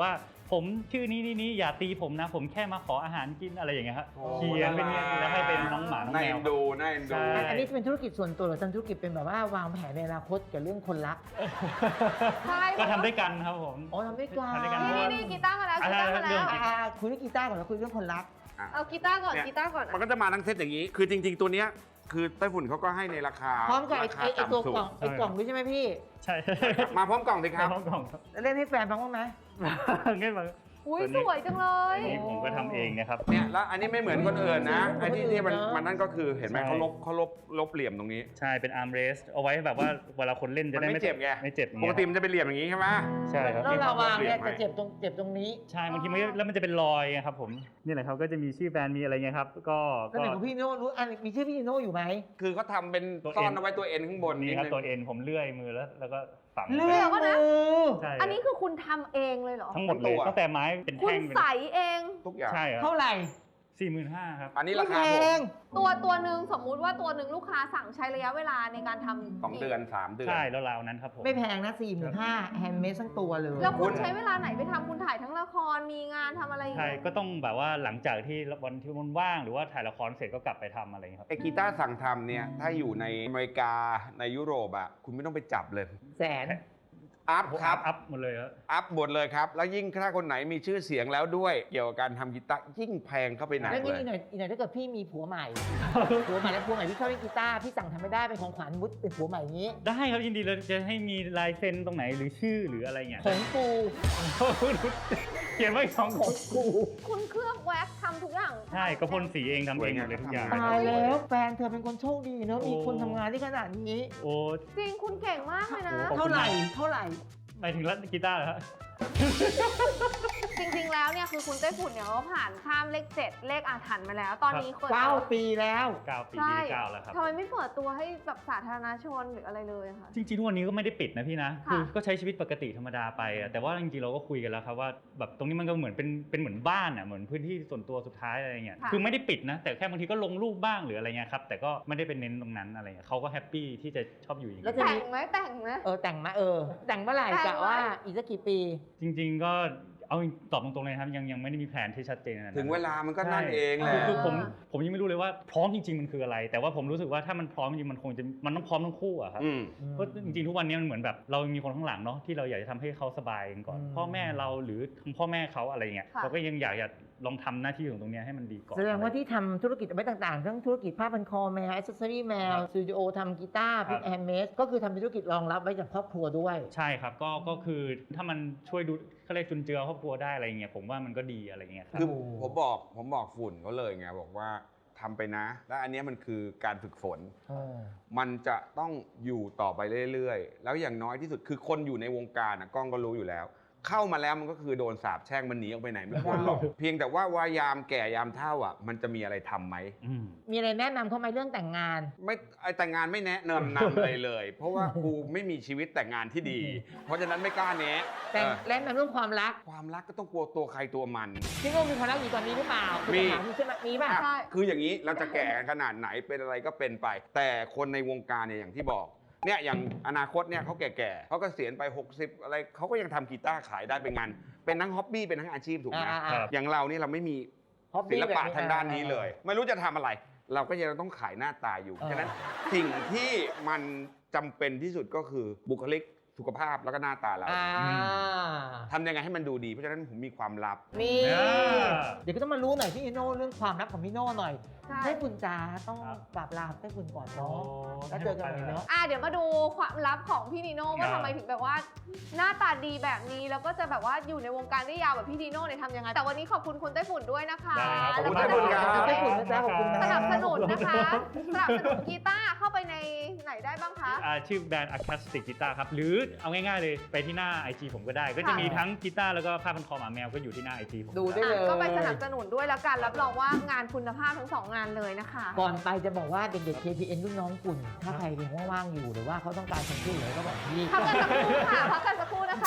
Speaker 4: ผมชื่อนี้นี่นี่อย่าตีผมนะ ผมแค่มาขออาหารกินอะไรอย่างเงี้ยครับ
Speaker 5: โอ้
Speaker 4: เขียนเป็นเงี้ยแล้วให้เป็นน้องหมาน้อง
Speaker 5: น่า
Speaker 4: แม
Speaker 5: เอ็
Speaker 4: วน
Speaker 5: ดูน่าเอ็นดู
Speaker 4: ใช่
Speaker 2: อันนี้จะเป็นธุรกิจส่วนตัวหรือทำธุรกิจเป็นแบบว่าวางแผนในอนาคตกับเรื่องคนรัก
Speaker 3: ใช่
Speaker 4: ก็ทำด้วยกันครับผม
Speaker 2: อ๋อทำด้วยกัน
Speaker 4: ทำด้วยกัน
Speaker 3: นี่นี่กีตาร์มาแล้วกีตาร์มา
Speaker 4: เรื่
Speaker 3: แล้
Speaker 4: อง
Speaker 3: ว
Speaker 4: จริง
Speaker 2: อ่าคุยเรื่องกีตาร์ก่อนแล้วคุยเรื่องคนรัก
Speaker 3: เอากีตาร์ก่อน
Speaker 5: เนี่ย
Speaker 3: กีตาร์ก่อน
Speaker 5: มันก็จะมาทั้งเซตอย่างนี้ คือจริง ๆ ตัวเนี้ยคือไต้ฝุ่นเขาก็ให้ในราคา
Speaker 2: พร้อมกับไอ้
Speaker 5: ราคา
Speaker 2: ไอ้ไอ้ตัว
Speaker 5: ต่ำสุด
Speaker 2: กล่องไอ้กล่องด้วยใช่ไหมพี่
Speaker 4: ใช่
Speaker 5: มาพร้อมกล่องสิครับ
Speaker 4: น้องกล่องครับ
Speaker 2: แล้วเล่นให้แฟนฟังบ้างไหม
Speaker 4: เงี้ยมา
Speaker 3: อุ้ย
Speaker 4: ตัว
Speaker 3: ส
Speaker 4: นี้
Speaker 3: วยจังเลย
Speaker 4: อันนี้ผมก็ทำเองนะครับ
Speaker 5: เนี่ยแล้วอันนี้ไม่เหมือนคนอื่นนะไอ้ที่ที่มันมันนั่นก็คือเห็นไหม
Speaker 4: ใช่
Speaker 5: เขาลบเขาลบลบเหลี่ยมตรงนี้
Speaker 4: ใช่เป็นอาร์มเรสเอาไว้แบบว่าเวลาคนเล่นจะได้
Speaker 5: มันไม่เจ็บไง
Speaker 4: ไม่เจ็บอย่าง
Speaker 5: ป
Speaker 4: เงี้
Speaker 5: ก
Speaker 4: ย
Speaker 5: ติมันจะเป็นเหลี่ยมอย่างนี้ใช่ไหม
Speaker 4: ใช่ครับ
Speaker 2: แล้วเราวางเนี่ย
Speaker 5: เปลี่
Speaker 2: จะ
Speaker 5: ยนไหม
Speaker 2: เจ็บตรงเจ็บตรงนี้
Speaker 4: ใช่บางทีมันก็แล้วมันจะเป็นรอยไงครับผมนี่แหละครับก็จะมีชื่อแบรนด์มีอะไรเงี้ยครับก็
Speaker 2: แล้ว
Speaker 4: ก็
Speaker 2: ไหนของพี่โน่รู้อันมีชื่อพี่โน่อยู่ไหม
Speaker 5: คือเขาทำเป็น
Speaker 4: ตัว
Speaker 5: ซ่อน
Speaker 4: เอ็น
Speaker 5: เอาไว้ตัวเอ็นข้างบน
Speaker 4: นี่
Speaker 5: นิด
Speaker 4: ครับ
Speaker 5: นึง
Speaker 4: ตัวเอ็นผมเลื่อยมือแล้วแล้วก็ฝัง
Speaker 2: เลื่อย
Speaker 3: ดี๋ยวก่อนนะ
Speaker 2: มือ
Speaker 4: ใช่
Speaker 3: อันนี้คือคุณทำเองเลยเหรอ
Speaker 4: ทั้งหมดเลยตั้งแต่ไม้เป็น
Speaker 3: คุณ
Speaker 4: แท่งเป็น
Speaker 3: ใสเอง
Speaker 5: ทุกอย่าง
Speaker 4: ใช่ครับ
Speaker 2: เท่าไหร่
Speaker 4: สี่หมื่นห้าครับ
Speaker 5: อันนี้ราคา
Speaker 2: แพ
Speaker 5: ผม
Speaker 2: ง
Speaker 3: ตัวตัวหนึ่งสมมุติว่าตัวหนึ่งลูกค้าสั่งใช้ระยะเวลาในการทำ
Speaker 5: สองเดือนสามเดือน
Speaker 4: ใช่แล้วราวนั้นครับผม
Speaker 2: ไม่แพงนะสี่หมื่นห้าแฮนด์เมดทั้งตัวเลย
Speaker 3: แล้ว
Speaker 5: คุ
Speaker 3: คุณ
Speaker 5: ณ
Speaker 3: ใช้เวลาไหนไปทำคุณถ่ายทั้งละครมีงานทำอะไรอีก
Speaker 4: ใช่ก็ต้องแบบว่าหลังจากที่วันที่มันว่างหรือว่าถ่ายละครเสร็จก็กลับไปทำอะไรอย่างเงี้ยครับ
Speaker 5: ไอ้กีตาร์สั่งทำเนี่ยถ้าอยู่ในอเมริกาในยุโรปอ่ะคุณไม่ต้องไปจับเลย
Speaker 2: แสน
Speaker 5: อัพครับ
Speaker 4: อัพหมดเลยครับ
Speaker 5: อัพหมดเลยครับ แล้วยิ่งถ้าคนไหนมีชื่อเสียงแล้วด้วย เกี่ยวกับการทำกีตาร์ยิ่งแพงเข้าไปหนัก
Speaker 2: แล้ว
Speaker 5: เล
Speaker 2: นี่
Speaker 5: ย
Speaker 2: อีกหน่อยอีกหน่อยถ้าเกิดพี่มีผัวใหม่ ผัวใหม่แล้วผัวใหม่พี่ชอบเล่นกีตาร์พี่สั่งทำไม่ได้เป็นของขวัญมุดเป็นผัวใหม่อย่างนี้
Speaker 4: ได้ครับยินดีเลยจะให้มีลายเซ็นตรงไหนหรือชื่อหรืออะไรเงี้ย
Speaker 2: ของกู
Speaker 4: เขียนไว้สอง
Speaker 2: ของกู
Speaker 3: คุณเคลือบแว็กซ์ทำทุกอย่าง
Speaker 4: ใช่ก็พ่นสีเองทำเองหมดเลยทุกอย่าง
Speaker 5: สวยงาม
Speaker 2: ตายแล้วแฟนเธอเป็นคนโชคดีเนอะ
Speaker 4: โอ้
Speaker 2: มีคนทำงานที่ขนาดนี้
Speaker 4: โอ้
Speaker 3: จริงคุณเก่งมากเลยนะ
Speaker 4: ขอบคุณ
Speaker 2: เท่าไหร่เท่าไหร่
Speaker 4: หมายถึงรัดกีตาร์เหรอฮะ
Speaker 3: จริงๆ แล้วเนี่ยคือคุณไต้ฝุ่นเนี่ยเขาผ่านข้ามเลขเจ็ดเลขอาถรรพ์มาแล้ว ตอนนี้คน
Speaker 2: เก้าปีแล้ว
Speaker 4: เก้าปี
Speaker 3: ใช่
Speaker 4: ที่เก้าแล้วครับ
Speaker 3: ทำไมไม่เปิดตัวให้แบบสาธารณชนหรืออะไรเลยอะคะ
Speaker 4: จริงๆทุกวันนี้ก็ไม่ได้ปิดนะพี่นะ
Speaker 3: ค่ะ
Speaker 4: คือก็ใช้ชีวิตปกติธรรมดาไปอะแต่ว่าจริงๆเราก็คุยกันแล้วครับว่าแบบตรงนี้มันก็เหมือนเป็นเป็นเหมือนบ้านอ่ะเหมือนพื้นที่ส่วนตัวสุดท้ายอะไรเงี้ย
Speaker 3: ค่ะ
Speaker 4: คือไม่ได้ปิดนะ แต่แค่บางทีก็ลงรูปบ้างหรืออะไรเงี้ยครับแต่ก็ไม่ได้เป็นเน้นตรงนั้นอะไรเงี้ยเขาก็แฮปปี้ที่จะชอบอยู่อย่าง
Speaker 2: แล้ว
Speaker 4: นี้
Speaker 2: จะ
Speaker 3: แต่งไหมแต่งไหม
Speaker 2: เออแต่งมาเออ แต่งเมื่อไหร่
Speaker 3: แต่ง
Speaker 2: กะว่า
Speaker 3: ไว้
Speaker 2: อีกสักกี่ปี
Speaker 4: จริง ๆก็เอาตอบตรงๆเลยนะครับยังยังไม่ได้มีแผนที่ชัดเจนขนาดนั้น
Speaker 5: ถึงเวลามันก็นั่น
Speaker 4: ใช่
Speaker 5: เองแหละ
Speaker 4: คือคือผมผมยังไม่รู้เลยว่าพร้อมจริง ๆ มันคืออะไร แต่ว่าผมรู้สึกว่าถ้ามันพร้อมจริงๆมันคงจะมันต้องพร้อมทั้งคู่อะครับ
Speaker 5: อืม
Speaker 4: เพราะจริงๆทุกวันนี้มันเหมือนแบบเรามีคนข้างหลังเนาะที่เราอยากจะทำให้เขาสบายกันก่อน
Speaker 2: อืม
Speaker 4: พ่อแม่เราหรือทั้งพ่อแม่เขาอะไรเงี้ย
Speaker 3: ค่ะ
Speaker 4: เราก็ยังอยากจะลองทำหน้าที่ของตรงเนี้ยให้มันดีก่อน
Speaker 2: แสดงว่าที่ทำธุรกิจเอาไว้ต่างๆ ทั้งธุรกิจผ้าพันคอแมวอิสเซอรี่แมวสตูดิโอทำกีตาร์เป็นแฮนด์เมดก็คือทำเป็นธุรกิจรองรับไว้จากครอบครัวด้วย
Speaker 4: ใช่ครับก็ก็คือถ้ามันช่วยดูเขาเรียกจุนเจือครอบครัวได้อะไรเงี้ยผมว่ามันก็ดีอะไรเงี้ยครับ
Speaker 5: คือผมบอกผมบอกฝุ่นเขาเลยไงบอกว่าทำไปนะ และอันเนี้ยมันคือการฝึกฝน
Speaker 2: เออ
Speaker 5: มันจะต้องอยู่ต่อไปเรื่อยๆ แล้วอย่างน้อยที่สุดคือคนอยู่ในวงการนะกล้องก็รู้อยู่แล้ว เข้ามาแล้วมันก็คือโดนสาปแช่งมันหนีออกไปไหนไม่พ้นหรอก เพียงแต่ว่าวายามแก่ยามเฒ่าอ่ะมันจะมีอะไรทำไหม
Speaker 4: อืม
Speaker 2: มีอะไรแนะนำเขาไหมเรื่องแต่งงาน
Speaker 5: ไม่ไอแต่งงานไม่แนะนำนำอะไรเลย เพราะว่ากูไม่มีชีวิตแต่งงานที่ดี เพราะฉะนั้นไม่กล้าแนะ
Speaker 2: แต่ง
Speaker 5: เออ
Speaker 2: แนะนำเรื่องความรัก
Speaker 5: ความรักก็ต้องกลัวตัวใครตัวมัน
Speaker 2: พี่โง่มีความรักอยู่ตอนนี้หรือเปล่า
Speaker 5: มี
Speaker 2: ถามใช่ไหมมีป่ะ
Speaker 5: อ่ะคืออย่างนี้เราจะแก่กันขนาดไหนเป็นอะไรก็เป็นไป แต่คนในวงการเนี่ยอย่างที่บอกเนี่ยอย่างอนาคตเนี่ยเขาแก่ๆเขาก็เกษียณไปหกสิบอะไรเขาก็ยังทำกีตาร์ขายได้เป็นงานเป็นทั้งฮ็อบบี้เป็นทั้งอาชีพถูกไหม
Speaker 2: อ่าๆ
Speaker 4: ครับ
Speaker 5: อย่างเรานี่เราไม่มี
Speaker 2: Hobby
Speaker 5: ศิลปะ
Speaker 2: แบบนี้
Speaker 5: ทางด้านนี้เลย ไม่รู้จะทำอะไร เราก็ยังต้องขายหน้าตาอยู่
Speaker 2: เออ
Speaker 5: ฉะนั้นสิ่งที่มันจำเป็นที่สุดก็คือบุคลิกสุขภาพแล้วก็หน้าตาเรา
Speaker 2: อ่า
Speaker 5: ทำยังไงให้มันดูดี เพราะฉะนั้นผมมีความลับ
Speaker 2: นี่
Speaker 4: อ่า
Speaker 2: เดี๋ยวก็ต้องมารู้หน่อยพี่โน่เรื่องความรักของพี่โน่หน่อย
Speaker 3: ใช่
Speaker 2: ให้คุณจ๋าต้อง
Speaker 4: ครับ
Speaker 2: ปราบลาให้คุณก่อนเนาะแล้วเจอกันใหม่เนาะ
Speaker 3: อ่ะเดี๋ยวมาดูความลับของพี่นีโน่ว่า
Speaker 4: ครับ
Speaker 3: ทำไมถึงแบบว่า หน้าตาดีแบบนี้แล้วก็จะแบบว่าอยู่ในวงการได้ยาวแบบพี่นีโน่เนี่ยทำยังไงแต่วันนี้ขอบคุณคุณไต้ฝุ่นด้วยนะคะ
Speaker 4: ได้ครับ
Speaker 5: ขอบคุณ
Speaker 3: แล้ว
Speaker 5: ไต้
Speaker 3: ก็
Speaker 5: ฝุ่นครับ
Speaker 2: ไต้ฝุ่นนะจ๊ะขอบคุณนะ
Speaker 3: สนับสนุนนะคะสนับสนุนกีตาร์เข้าไปในไหนได้บ้างคะ
Speaker 4: อ่าชื่อแบรนด์ Acoustic Guitar ครับ หรือเอาง่ายๆเลยไปที่หน้า ไอ จี ผมก็ได้ ก็จะมีทั้งกีตาร์แล้วก็ผ้าพันคอหมาแมวก็อยู่ที่หน้า ไอ จี ผม
Speaker 2: ดูได้เลย
Speaker 3: อ่ะก็ไปสนับสนุนด้วยแล้วกันรับรองว่างานคุณภาพทั้งสองงานเลยนะคะ
Speaker 2: ก่อนไปจะบอกว่าเด็กๆ เค พี เอ็น รุ่นน้องคุณ ถ้าใครยังว่างๆอยู่หรือว่าเขาต้องการคนช่วยเหลือก็บอกพี่
Speaker 3: พักกันสักครู่ค่ะพักกันสักครู่นะคะ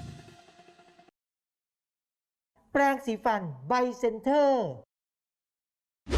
Speaker 2: แปรงสีฟันไบเซนเตอร์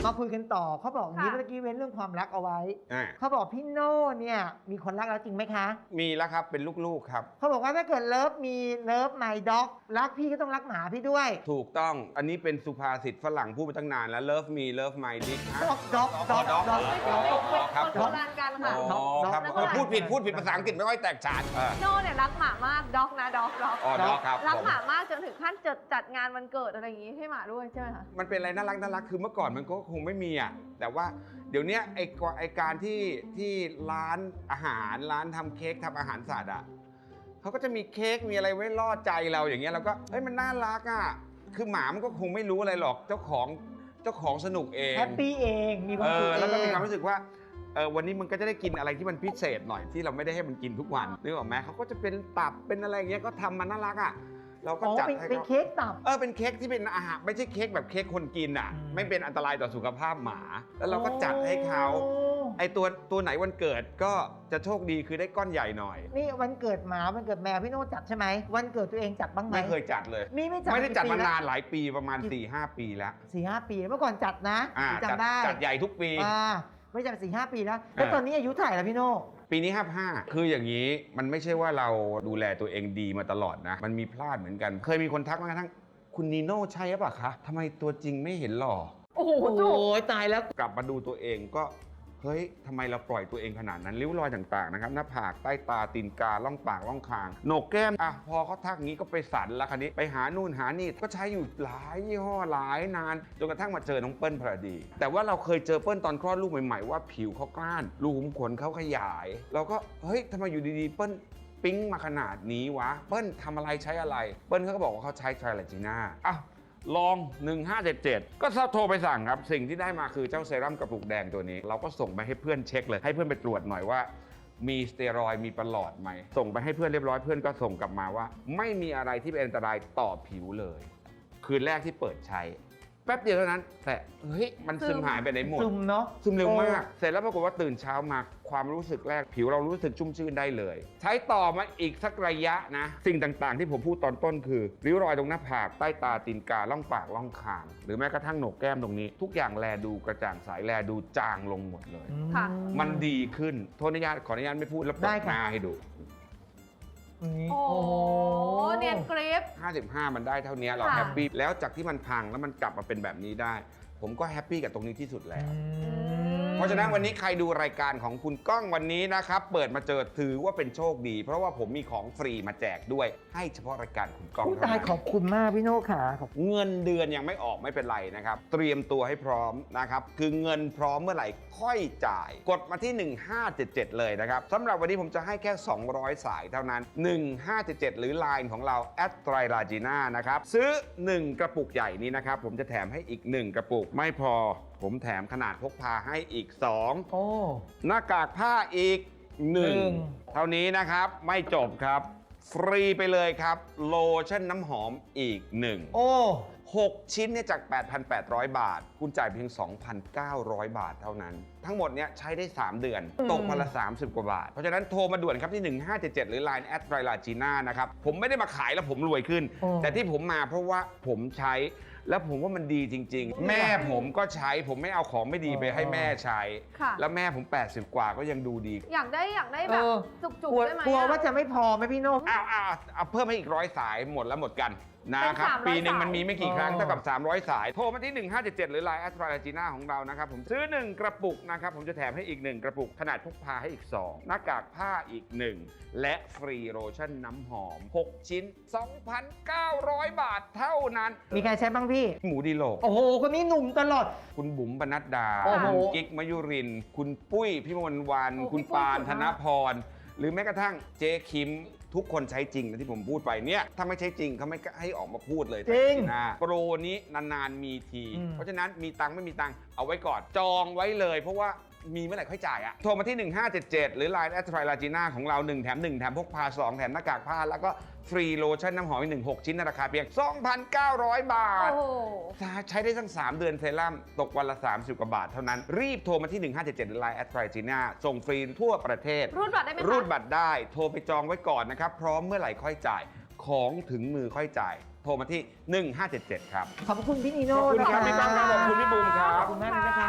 Speaker 2: มาคุยกันต่อเขาบอกอย่างนี้
Speaker 3: ค่ะ
Speaker 2: เมื่อกี้เว้นเรื่องความรักเอาไว้
Speaker 5: อ่า
Speaker 2: เขาบอกพี่โน่เนี่ยมีคนรักแล้วจริงไหมคะ
Speaker 5: มีแล้วครับเป็นลูกๆครับ
Speaker 2: เขาบอกว่าถ้าเกิดเลิฟมีเลิฟไมด็อกรักพี่ก็ต้องรักหมาพี่ด้วย
Speaker 5: ถูกต้องอันนี้เป็นสุภาษิตฝรั่งพูดมาตั้งนานแล้ว love me love my dick ฮะ
Speaker 2: ด็อกด็อกด็อก
Speaker 5: ด็อก
Speaker 2: ด็อก
Speaker 5: ครับ
Speaker 3: คนโบราณกันค่ะ
Speaker 5: อ๋อครับ
Speaker 2: ด็อก
Speaker 5: เออพูดผิดพูดผิดภาษาอังกฤษไม่ค่อยแตกฉานเออ
Speaker 3: โน่เนี่ยรักหมามากด็อกนะด็อกด็อก
Speaker 5: อ๋อด็อกครับ
Speaker 3: รัก
Speaker 5: ผม
Speaker 3: หมามากจนถึงขั้นจัดจัดงานวันเกิดอะไรอย่างงี้ให้หมาด้วยใช่ไหมคะ
Speaker 5: มันเป็นอะไรน่ารักน่ารักคือเมื่อก่อนมันก็คงไม่มีอ่ะแต่ว่าเดี๋ยวเนี้ยไอ้กว่าไอ้การที่ที่ร้านอาหารร้านทำเค้กทำอาหารสัตว์อ่ะเขาก็จะมีเค้กมีอะไรไว้ล่อใจเราอย่างเงี้ยเราก็เฮ้ยมันน่ารักอ่ะคือหมามันก็คงไม่รู้อะไรหรอกเจ้าของเจ้าของสนุกเอง
Speaker 2: แฮปปี้เองมีความ
Speaker 5: เอ
Speaker 2: สุข
Speaker 5: อ
Speaker 2: เอง
Speaker 5: แล้วก็มีความรู้สึกว่าเออวันนี้มันก็จะได้กินอะไรที่มันพิเศษหน่อยที่เราไม่ได้ให้มันกินทุกวันนึกออกไหมเขาก็จะเป็นตับเป็นอะไรอย่างเงี้ยก็ทำมันน่ารักอ่ะเราก็
Speaker 2: อ๋อ
Speaker 5: จัด
Speaker 2: เป็น
Speaker 5: ให้
Speaker 2: เป็น
Speaker 5: เขา
Speaker 2: เค้กตับ
Speaker 5: เออเป็นเค้กที่เป็นอาหารไม่ใช่เค้กแบบเค้กคนกินอ่ะ
Speaker 2: อืม
Speaker 5: ไม่เป็นอันตรายต่อสุขภาพหมา แล้วเราก็จัดให้เขาไอตัวตัวไหนวันเกิดก็จะโชคดีคือได้ก้อนใหญ่หน่อย
Speaker 2: นี่วันเกิดหมาวันเกิดแมวพี่โน่จัดใช่ไหมวันเกิดตัวเองจัดบ้างไหม
Speaker 5: ไม่เคยจัดเลย
Speaker 2: มีไม่จัด
Speaker 5: ไม่ได้จัด
Speaker 2: กี่
Speaker 5: มา
Speaker 2: ปีแล้ว
Speaker 5: นานหลายปีประมาณ 4-หห้า ปีแล้ว
Speaker 2: สี่ห้าปีเมื่อก่อนจัดนะ
Speaker 5: อ่าจัด
Speaker 2: จำได้
Speaker 5: จัดใหญ่ทุกปี
Speaker 2: อ่าไม่จัดสี่ห้าปีแล้วแล้ว
Speaker 5: อ่า
Speaker 2: ตอนนี้อายุเท่าไหร่แล้วพี่โน่
Speaker 5: ปีนี้ห้าห้าคืออย่างนี้มันไม่ใช่ว่าเราดูแลตัวเองดีมาตลอดนะ มันมีพลาดเหมือนกัน เคยมีคนทักมากระทั่งคุณนีโน่ใช่หรือเปล่าคะทำไมตัวจริงไม่เห็นหล่อ
Speaker 3: โอ้โห
Speaker 2: โอ้
Speaker 3: จุก
Speaker 2: ยตายแล้ว
Speaker 5: กลับมาดูตัวเองก็เฮ้ยทำไมเราปล่อยตัวเองขนาดนั้นริ้วรอยต่างๆนะครับหน้าผากใต้ตาตีนกาล่องปากล่องคางโหนกแก้มอ่ะพอเขาทักงี้ก็ไปสันละคันนี้ไปหานู่นหานี่ก็ใช้อยู่หลายยี่ห้อหลายนานจนกระทั่งมาเจอน้องเปิ้ลพอดี แต่ว่าเราเคยเจอเปิ้ลตอนคลอดลูกใหม่ๆว่าผิวเขากล้านรูขุมขนเขาขยาย เราก็เฮ้ยทำไมอยู่ดีๆเปิ้ลปิ๊งมาขนาดนี้วะเปิ้ลทำอะไรใช้อะไรเปิ้ลเขาก็บอกว่าเขาใช้ไทรลาจีน่าอ้าวลอง หนึ่งห้าเจ็ดเจ็ด ก็โทรไปสั่งครับสิ่งที่ได้มาคือเจ้าเซรั่มกระปุกแดงตัวนี้ เราก็ส่งไปให้เพื่อนเช็คเลยให้เพื่อนไปตรวจหน่อยว่ามีสเตียรอยด์มีประหลอดไหมส่งไปให้เพื่อนเรียบร้อยเพื่อนก็ส่งกลับมาว่า ไม่มีอะไรที่เป็นอันตรายต่อผิวเลย คืนแรกที่เปิดใช้แป๊บเดียวเท่านั้นแต่เฮ้ยมันซึมหายไปไหนหมด
Speaker 2: ซึมเนาะ
Speaker 5: ซึมเร็วมาก เสร็จแล้วปรากฏว่าตื่นเช้ามาความรู้สึกแรกผิวเรารู้สึกชุ่มชื่นได้เลย ใช้ต่อมาอีกสักระยะนะ สิ่งต่างๆที่ผมพูดตอนต้นคือริ้วรอยตรงหน้าผากใต้ตาตีนกาล่องปากล่องคาง หรือแม้กระทั่งโหนกแก้มตรงนี้ ทุกอย่างแลดูกระจ่างใสแลดูจางลงหมดเลย
Speaker 3: ค่ะ
Speaker 5: มันดีขึ้นโทษอนุญาตขออนุญาตไม่พูดแล้วเปิ
Speaker 2: ได้
Speaker 5: ด
Speaker 2: ค่ะ
Speaker 5: หน้าให้ดู
Speaker 2: นี่
Speaker 3: โอ้โหเนียนกริป
Speaker 5: ห้าสิบห้า มันได้เท่านี้เรา
Speaker 3: ค่ะ
Speaker 5: แฮปปี้แล้วจากที่มันพังแล้วมันกลับมาเป็นแบบนี้ได้ ผมก็แฮปปี้กับตรงนี้ที่สุดแล้ว เพราะฉะนั้นวันนี้ใครดูรายการของคุณก้องวันนี้นะครับเปิดมาเจอถือว่าเป็นโชคดี เพราะว่าผมมีของฟรีมาแจกด้วยให้เฉพาะรายการคุณก้อง
Speaker 2: ผู้
Speaker 5: เท่า
Speaker 2: ตาย
Speaker 5: นั้น
Speaker 2: ขอบคุณมากพี่โน่ขาขอบ
Speaker 5: เงินเดือนยังไม่ออกไม่เป็นไรนะครับ เตรียมตัวให้พร้อมนะครับ คือเงินพร้อมเมื่อไหร่ค่อยจ่าย กดมาที่ หนึ่งห้าเจ็ดเจ็ด เลยนะครับสำหรับวันนี้ผมจะให้แค่ สองร้อย สายเท่านั้น หนึ่งห้าเจ็ดเจ็ด หรือ ไลน์ ของเราแอดไตรลาจีน่านะครับซื้อ หนึ่ง กระปุกใหญ่นี้นะครับผมจะแถมให้อีก หนึ่ง กระปุกไม่พอผมแถมขนาดพกพาให้อีก สอง
Speaker 2: โอ้
Speaker 5: หน้ากากผ้าอีก หนึ่ง
Speaker 2: หนึ่ง
Speaker 5: เท่านี้นะครับไม่จบครับ ฟรีไปเลยครับ โลชั่นน้ำหอมอีกหนึ่ง
Speaker 2: โอ้
Speaker 5: หก ชิ้นเนี่ยจาก แปดพันแปดร้อย บาท คุณจ่ายเพียง สองพันเก้าร้อย บาทเท่านั้น ทั้งหมดเนี่ยใช้ได้ สาม เดือน ตกวันละ สามสิบ กว่าบาท เพราะฉะนั้นโทรมาด่วนครับที่ หนึ่งห้าเจ็ดเจ็ด หรือ ไลน์ แอดไตรลาจีน่านะครับผมไม่ได้มาขายแล้วผมรวยขึ้น
Speaker 2: โอ้
Speaker 5: แต่ที่ผมมาเพราะว่าผมใช้แล้วผมว่ามันดีจริง ๆ แม่ผมก็ใช้ผมไม่เอาของไม่ดีไปให้แม่ใช้
Speaker 3: ค่ะ
Speaker 5: แล้วแม่ผม แปดสิบ กว่าก็ยังดูดี
Speaker 3: อยากได้อยากได้แบบ
Speaker 2: เออ
Speaker 3: จุก
Speaker 2: กลัว
Speaker 3: ๆได้ไหม
Speaker 2: กลัว
Speaker 3: อะ
Speaker 2: ว่าจะไม่พอไหมพี่โน่
Speaker 5: อ้าวอ้าวเอาเพิ่มให้อีกร้อยสายหมดแล้วหมดกันนะครับ
Speaker 3: เป็นสามร้อย
Speaker 5: ปีหนึ่งมันมีไม่กี่ครั้ง
Speaker 2: อ๋อ
Speaker 5: เท่ากับ สามร้อย สาย โทรมาที่ หนึ่งห้าเจ็ดเจ็ด หรือ ไลน์ แอดไตรลาจีน่าของเรานะครับผมซื้อ หนึ่ง กระปุกนะครับผมจะแถมให้อีก หนึ่ง กระปุกขนาดพกพาให้อีก สอง หน้ากากผ้าอีก หนึ่ง และฟรีโลชั่นน้ำหอม หก ชิ้น สองพันเก้าร้อย บาทเท่านั้น
Speaker 2: มีใครใช้บ้างพี่
Speaker 5: หมูดีโลก
Speaker 2: โอ้โห คนนี้หนุ่มตลอด
Speaker 5: คุณบุ๋มปนัดดา
Speaker 2: โอ้โห
Speaker 5: คุณกิ๊กมยุรินทร์คุณปุ้ยพี่มนวัน
Speaker 3: โอ้
Speaker 5: คุณ
Speaker 3: พี่ปุ้ย
Speaker 5: ปาน
Speaker 3: สุด
Speaker 5: ธ
Speaker 3: มาก
Speaker 5: นพร หรือแม้กระทั่งเจ๊คิมทุกคนใช้จริงนะที่ผมพูดไปเนี่ยถ้าไม่ใช่จริงเขาไม่ให้ออกมาพูดเลย
Speaker 2: จริง
Speaker 5: นะโปรนี้นานๆมีที
Speaker 2: อืม
Speaker 5: เพราะฉะนั้นมีตังค์ไม่มีตังค์เอาไว้ก่อนจองไว้เลย เพราะว่ามีเมื่อไหร่ค่อยจ่ายอะโทรมาที่ หนึ่งห้าเจ็ดเจ็ด หรือ ไลน์ แอดไตรลาจีน่าของเรา หนึ่ง แถม หนึ่ง แถมพกพา สอง แถมหน้ากากผ้าแล้วก็ฟรีโลชั่นน้ำหอมอีกหนึ่ง หก ชิ้นในราคาเพียง สองพันเก้าร้อย บาท
Speaker 3: โอ้โห
Speaker 5: ใช้ได้ตั้ง สาม เดือนเซรั่มตกวันละ สามสิบ กว่าบาทเท่านั้น รีบโทรมาที่ หนึ่งห้าเจ็ดเจ็ด หรือ ไลน์ แอดไตรจีน่าส่งฟรีทั่วประเทศ
Speaker 3: รูดบัตรได้ไหมคะ
Speaker 5: รูดบัตรได้โทรไปจองไว้ก่อนนะครับ พร้อมเมื่อไหร่ค่อยจ่าย ของถึงมือค่อยจ่าย โทรมาที่ หนึ่งห้าเจ็ดเจ็ด ครับ
Speaker 2: ขอบคุณพี่นี
Speaker 5: ข
Speaker 2: โน่
Speaker 5: อบคุณ
Speaker 2: นะ
Speaker 5: ครับพี่ก้องครับขอบคุณพี่บูมครั
Speaker 2: ข
Speaker 5: บ
Speaker 2: อบคุณมากเลยนะคะ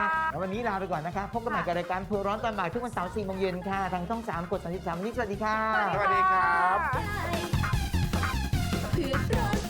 Speaker 2: นี้ลาไปก่อนนะคะ พบกันใหม่กับรายการเพื่อร้อนตอนบ่ายทุกวันเสาร์สี่โมงเย็นค่ะ ทางช่องสามกดสามสิบสามวันนี้สวัสดีค่ะ
Speaker 5: สวัสดีครับ
Speaker 7: เพื่อนร้อน